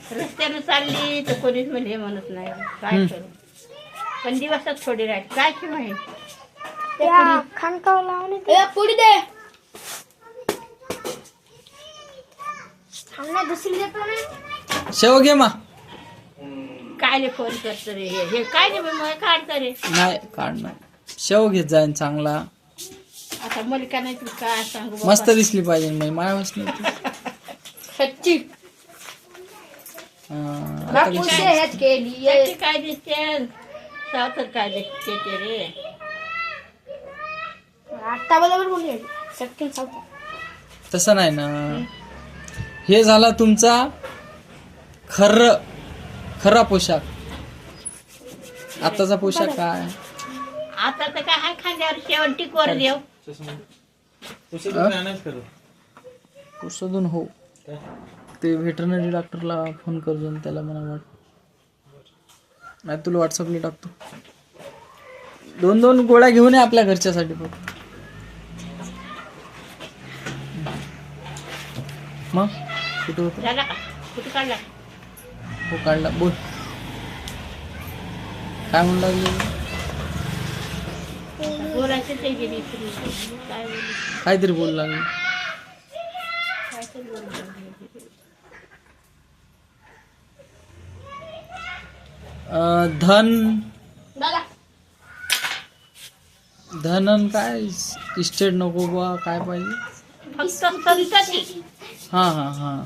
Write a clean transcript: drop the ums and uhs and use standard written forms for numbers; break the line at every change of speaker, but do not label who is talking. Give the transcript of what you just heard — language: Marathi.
रस्त्यानं चालली तर कोणीच म्हणजे म्हणत नाही काय करू. पण दिवसात थोडी राहते काय की माहिती
खानकाव लावून पुढे दे दुसरी देतो ना
शेव घे मा
काय रे फोन करतो रे हे काय रे मग काढतं रे
नाही काढणार शेव घेत जाईन चांगला
आता मलिका नाही तू काय सांगू बाबा.
मस्त दिसली पाहिजे मी माया बसली
सच्ची सच्ची काय दिसते सावतर काय दिसते ते रे
आता बरोबर बोलले सत्य सावतर
तसं नाही ना हे झाला तुमचा खरा पोशाख आताचा पोशाख काय
आता तर काय खांद्यावर शेवंटी कोर देव
पुसदून हो ते व्हेटरनरी डॉक्टरला फोन करतो आणि त्याला मला नाही तुला व्हॉट्सअपला टाकतो 2-2 गोळ्या घेऊन ये आपल्या घरच्यासाठी फक्त मग कुठं होतं
झाला का कुठे काढला
हो काढला बोल काय म्हणू लागले
बोलायचं ते गेली काय बोलू
काहीतरी बोल लागले
काय तर बोलू
धन काय इस्टेट नको बा काय पाहिजे
फक्त संतती
हा